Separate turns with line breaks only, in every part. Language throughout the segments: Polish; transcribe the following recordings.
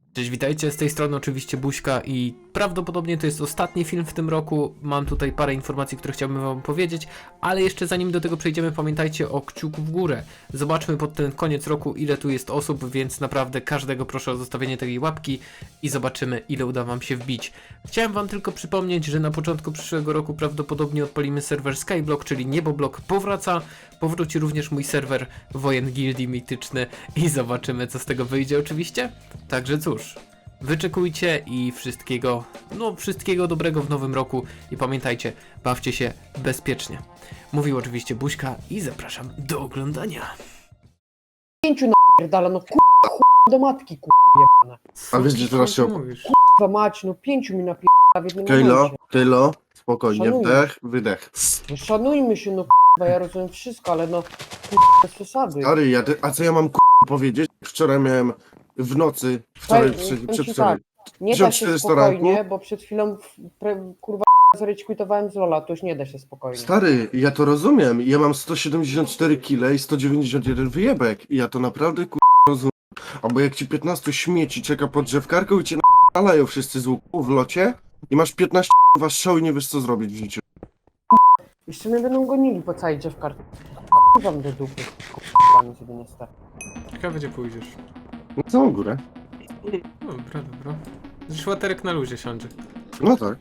Cześć, witajcie, z tej strony oczywiście Buźka i prawdopodobnie to jest ostatni film w tym roku. Mam tutaj parę informacji, które chciałbym wam powiedzieć, ale jeszcze zanim do tego przejdziemy, pamiętajcie o kciuku w górę. Zobaczmy pod ten koniec roku, ile tu jest osób, więc naprawdę każdego proszę o zostawienie tej łapki i zobaczymy, ile uda wam się wbić. Chciałem wam tylko przypomnieć, że na początku przyszłego roku prawdopodobnie odpalimy serwer Skyblock, czyli Nieboblock powraca. Powróci również mój serwer Wojen Gildii Mityczny i zobaczymy, co z tego wyjdzie oczywiście. Także cóż, wyczekujcie i wszystkiego dobrego w nowym roku i pamiętajcie, bawcie się bezpiecznie. Mówił oczywiście Buźka i zapraszam do oglądania.
Pięciu napierdala, no kurwa, chuj do matki, kurwa jebane.
A wiesz, że teraz się
mówisz?
Kurwa mać, no pięciu mi napierdala w jednym momencie.
Kylo, spokojnie,
Szanuję.
wdech, wydech.
No szanujmy się, no kurwa, ja rozumiem wszystko, ale no kurwa, bez przesady.
Stary, a co ja mam powiedzieć? Wczoraj miałem w nocy, wczoraj,
Powiem ci
przedwczoraj.
Nie da się
1400
spokojnie,
ranku?
bo przed chwilą kurwa zrekwitowałem z Lola, to już nie da się spokojnie.
Stary, ja to rozumiem. Ja mam 174 kg i 191 wyjebek. I ja to naprawdę rozumiem. Albo jak ci 15 śmieci czeka pod drzewkarką i cię nalają wszyscy z łuku w locie i masz 15 strzał i nie wiesz co zrobić w życiu.
Jeszcze mnie będą gonili po całej drzewkarce. Kurwa do dupy, kurwa mi sobie nie stać.
Ciekawe, gdzie pójdziesz.
Na całą górę.
Dobra, dobra. Szłaterek na luzie siądzie.
No tak.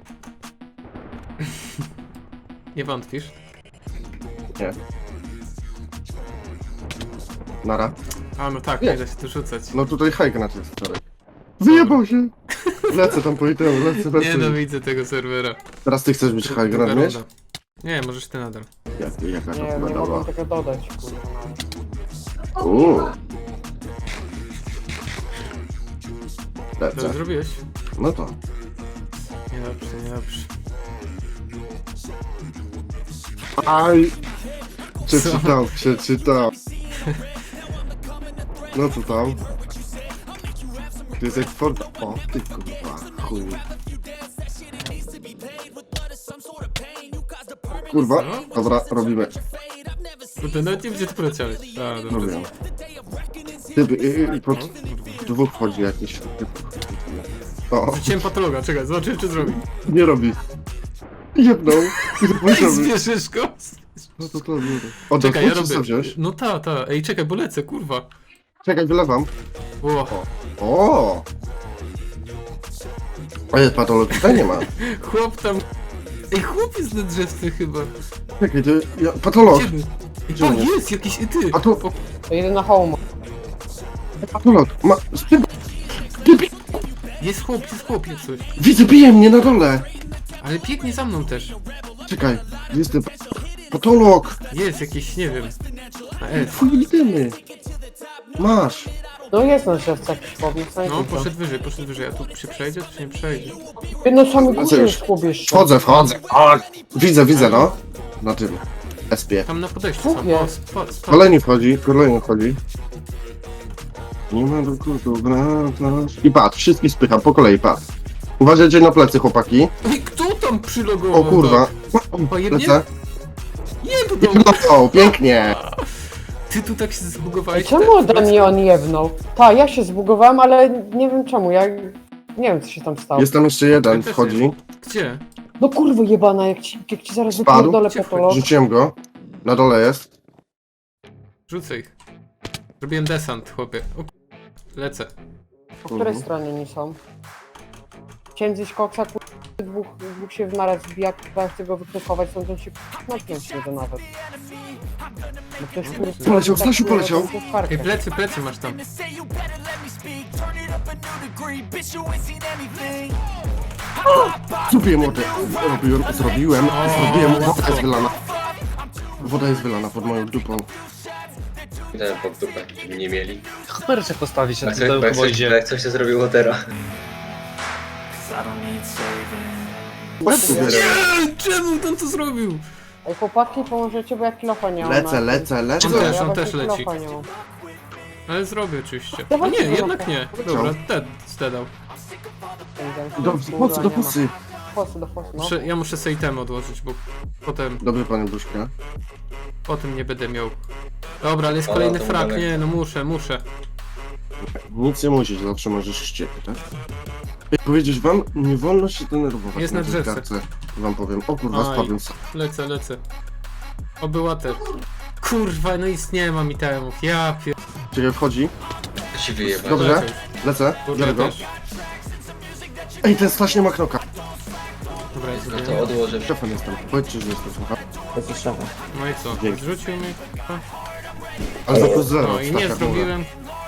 Nie wątpisz?
Nie. Nara.
A no tak,
Nie.
nie da się tu rzucać.
No tutaj hajk na tym wczoraj. Wyjebał się! Lecę tam po itemu, lecę.
Nienawidzę tego serwera.
Teraz ty chcesz być high
Druga
ground, wiesz?
runda. Nie, możesz ty nadal.
Jaka to
Nie,
chyba
nie
dobra.
mogę tego dodać, kurwa.
Co
Lecę.
zrobiłeś?
No to.
Niedobrze, niedobrze.
Aj!
Co?
Przeczytał. No co tam? To jest jak Ford... O, ty kurwa, chuj. Kurwa, dobra, robimy.
Kurde, nawet nie wiem, gdzie ty poleciałeś. A, dobra.
Robimy. Typy, pod dwóch wchodzi jakiś typ. O,
Rzuciłem patologa, czekaj, zobaczymy, czy zrobi.
nie robi. Jedną.
Ej, zbierzesz go?
No to to. O,
Czekaj, ja
co
robię.
wziąłeś?
No ta. Ej, czekaj, bo lecę, kurwa.
Czekaj, wylewam.
O,
O! Ale patologii tutaj nie ma.
chłop tam... Ej, chłop jest na drzewce chyba.
Czekaj, to ja, patolog.
Gdzie był? Ej,
Gdzie
o,
on jest?
jest jakiś... Ty!
A tu-
O,
To jedyna home.
Patolog.
jest chłop, jest coś.
Widzę, bije mnie na dole.
Ale biegnie za mną też.
Czekaj, jestem patolog.
Jest jakiś, nie wiem. Na S.
Twój idziemy. Masz.
No jest na drzewce jakiś chłopnik,
No, poszedł wyżej. A tu się przejdzie, czy się nie przejdzie?
No same
co
górze
już?
już chłop jeszcze.
Wchodzę. O, widzę, no. Na tym. SP.
Tam na podejściu
Dwóch
są. O,
jest.
spadł.
Kolejny wchodzi. Nie ma do I patrz, wszystkich spycham, po kolei, patrz. Uważajcie na plecy, chłopaki.
Ej, kto tam przylogował?
O kurwa.
Pojemnie?
Lecę.
Jebną!
No, pięknie.
Ty tu tak się
Ej,
zbugowałeś.
czemu ode mnie on jebnął? Ta, ja się zbugowałem, ale nie wiem czemu, ja nie wiem co się tam stało.
Jest tam jeszcze jeden,
Ja też
wchodzi.
Gdzie?
No kurwa jebana, jak ci zaraz
Spadł?
wypierdolę
Gdzie
patolog.
Rzuciłem go. Na dole jest.
Rzucę ich. Zrobiłem desant, chłopie. O, lecę.
Po której stronie oni są? Chciałem zjeść koksa, dwóch się w naraz zbija, kurwa, chcę go wykrykować, stąd on się natknąć nie da nawet. Bo ktoś kurwa...
Poleciał, Stasiu poleciał.
Ej, plecy masz tam.
Zrobiłem Zrobiłem. Woda jest wylana. Woda jest wylana pod moją dupą.
Idę pod dupę, żeby nie mieli.
Kamerę postawić na
Jak
tym
coś,
dołku wodzie.
jak coś się zrobiło teraz.
Łeb tu bierę.
Nie, czemu on to zrobił?
Ej chłopaki, pomożecie, bo ja kilofa nie mam.
Lecę.
On
Ja
też
właśnie
leci.
kilofa nie mam.
Ale zrobię oczywiście. A
Dawajcie
nie,
go
jednak
na
nie. Dobra, zdedał.
Do fosy.
Do fosy, no.
Ja muszę sobie item odłożyć, bo
Dobry panie Buźka.
potem nie będę miał. Dobra, ale jest
O,
kolejny
to
frak,
dalej.
nie, no muszę.
Nic nie musisz, zawsze możesz chcieć, tak? Jak powiedzieć wam, nie wolno się denerwować
Jest na
tej
drzewce.
kartce. Wam powiem, o kurwa,
Aj.
spadłem sam.
Lecę. Obywatel. Kurwa, no nic nie mam itemów, ja pier...
Czekaj, wchodzi.
To się wyjebać.
Dobrze, lecę,
Kurde,
biorę go.
też.
Ej, ten slash nie ma knoka.
Dobra, jest
No
zrobione.
to odłożę.
Szefem jestem, powiedzcie, że jestem, słuchaj.
No i co?
Dzięki.
Zrzucił mi.
Ale za plus zero.
No i nie
staka,
zrobiłem.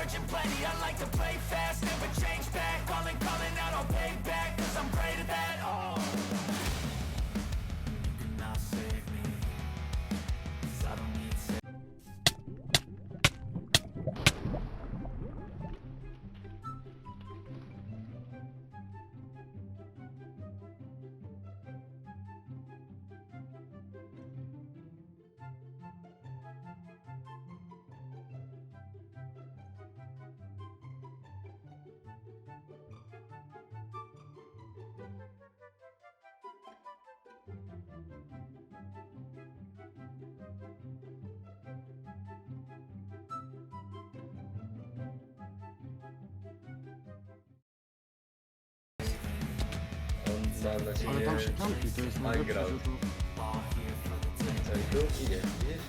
Mam nadzieję,
Ale tam się kampi, to jest najlepsze,
grał.
że tu...
że tu idzie, widzisz?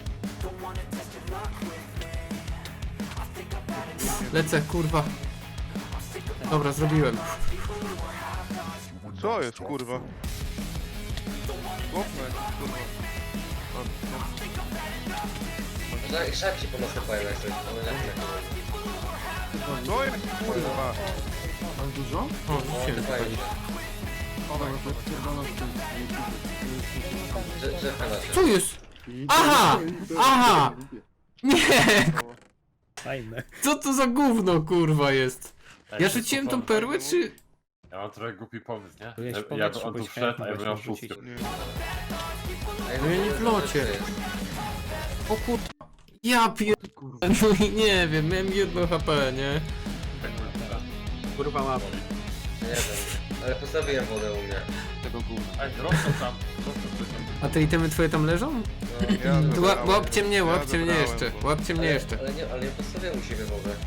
Lecę, kurwa. Dobra, zrobiłem.
Co jest, kurwa? Chłopne, kurwa.
Żadci ponasypają jak coś, one na
Co jest, kurwa?
Mam dużo?
O, rzuciłem.
Nasypają się.
Dobra, no to odpierdalam w tym.
Drzewka nasze.
Co jest? Aha! Aha! Nie!
Fajne.
Co to za gówno, kurwa, jest? Ja rzuciłem tą perłę, czy...
Ja mam trochę głupi pomysł, nie?
Byłeś w
Ja
powietrzu,
bym on tu
byłeś
wszedł, a
chętny,
ja bym miał
byłeś
szóstkę.
rzucić.
Ej,
No ja nie w locie.
to jest.
O kurwa. Ja pier... No i nie wiem, miałem 1 HP, nie?
Kurwa łap.
Nie wiem, ale postawiłem wodę u mnie.
Tego gówna.
Ej, rosną tam,
A te itemy twoje tam leżą?
No,
Ja
To
zabrałem.
łapcie mnie,
Ja
łapcie mnie
zabrałem,
jeszcze,
bo-
łapcie mnie jeszcze.
ale nie postawiłem u siebie wodę.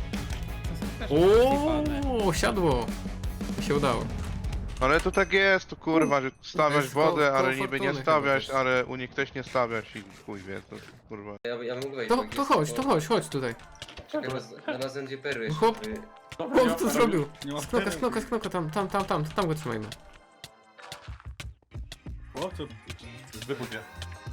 O, siadło. Mi się udało.
Ale to tak jest, to kurwa, że stawiasz
jest
wodę,
koło
ale niby
fortuny
nie
chyba
stawiasz,
też.
ale u nich też nie stawiasz i chuj wie, to kurwa.
Ja mógł wejść.
To,
bo
to
jest
chodź,
tylko-
to chodź tutaj.
Czekaj, znalazłem dwie perły jeszcze.
Chłop. Chłop to zrobił.
Nie ma
Sknoka, tam go trzymajmy.
O, co?
wybuch je.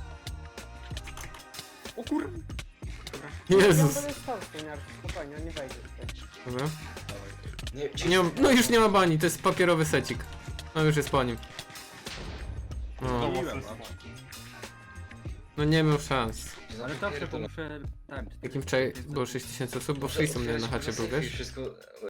O kur...
Jezus.
Ja będę stał, spokojnie, nie wejdzie.
Dobra.
Nie,
Nie mam, no już nie ma bani, to jest papierowy secik. No już jest po nim. No, no nie miał szans.
Ale zawsze to muszę... Tam,
Jakim wczoraj było 6000 osób, bo wszyscy mnie na chacie był, wiesz?
Wszystko